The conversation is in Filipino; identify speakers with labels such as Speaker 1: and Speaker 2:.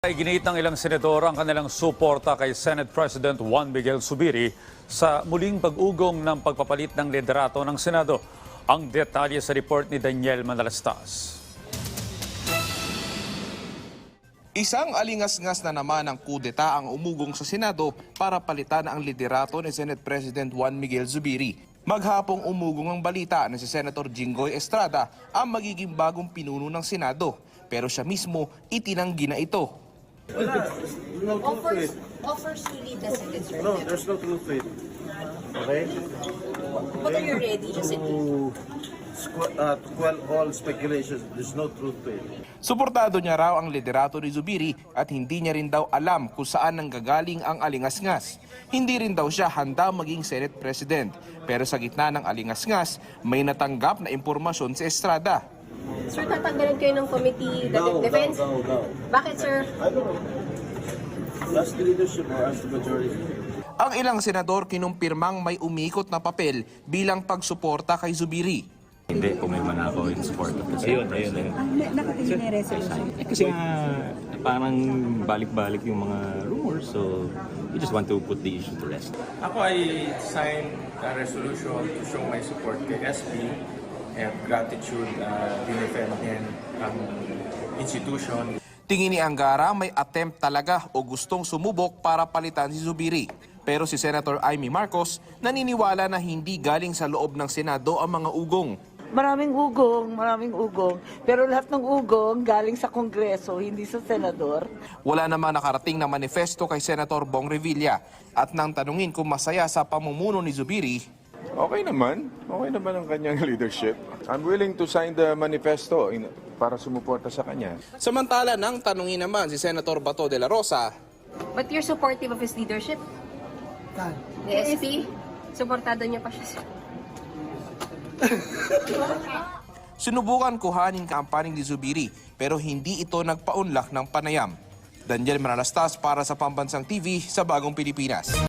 Speaker 1: Iginiit ng ilang senador ang kanilang suporta kay Senate President Juan Miguel Zubiri sa muling pag-ugong ng pagpapalit ng liderato ng Senado. Ang detalye sa report ni Daniel Manalastas.
Speaker 2: Isang alingas-ngas na naman ang kudeta ang umugong sa Senado para palitan ang liderato ni Senate President Juan Miguel Zubiri. Maghapong umugong ang balita na si Senator Jinggoy Estrada ang magiging bagong pinuno ng Senado. Pero siya mismo itinanggi na ito.
Speaker 3: No truth to it.
Speaker 4: Offers to lead the Senate, sir.
Speaker 3: No, there's no truth to it. Okay?
Speaker 4: But are you ready, just in case?
Speaker 3: To quell all speculations, there's no truth to it.
Speaker 2: Suportado niya raw ang liderato ni Zubiri at hindi niya rin daw alam kung saan nanggagaling ang alingas-ngas. Hindi rin daw siya handa maging Senate President. Pero sa gitna ng alingas-ngas, may natanggap na impormasyon si Estrada.
Speaker 4: Sir, tatanggalin kayo ng committee defense?
Speaker 3: No.
Speaker 4: Bakit, sir?
Speaker 3: I don't know. Ask the leadership or ask the majority.
Speaker 2: Ang ilang senador kinumpirmang may umikot na papel bilang pagsuporta kay Zubiri.
Speaker 5: Hindi, pumirma na ako in support of the Senate President.
Speaker 6: Nakatingin na yung resolution.
Speaker 5: Kasi nga, parang balik-balik yung mga rumors, so we just want to put the issue to rest.
Speaker 7: Ako ay signed a resolution to show my support kay SP and gratitude dinefend niya ang institution.
Speaker 2: Tingin ni Angara may attempt talaga o gustong sumubok para palitan si Zubiri. Pero si Senator Amy Marcos naniniwala na hindi galing sa loob ng Senado ang mga ugong.
Speaker 6: Maraming ugong. Pero lahat ng ugong galing sa Kongreso, hindi sa Senador.
Speaker 2: Wala naman nakarating na manifesto kay Senator Bong Revilla. At nang tanungin kung masaya sa pamumuno ni Zubiri,
Speaker 8: Okay naman ang kanyang leadership. I'm willing to sign the manifesto para sumuporta sa kanya.
Speaker 2: samantala nang tanungin naman si Senator Bato de la Rosa,
Speaker 4: But you're supportive of his leadership? The SP? Supportado niya pa siya.
Speaker 2: sinubukan kuhanin kampaning ni Zubiri pero hindi ito nagpaunlak ng panayam. Daniel Manalastas para sa Pambansang TV sa Bagong Pilipinas.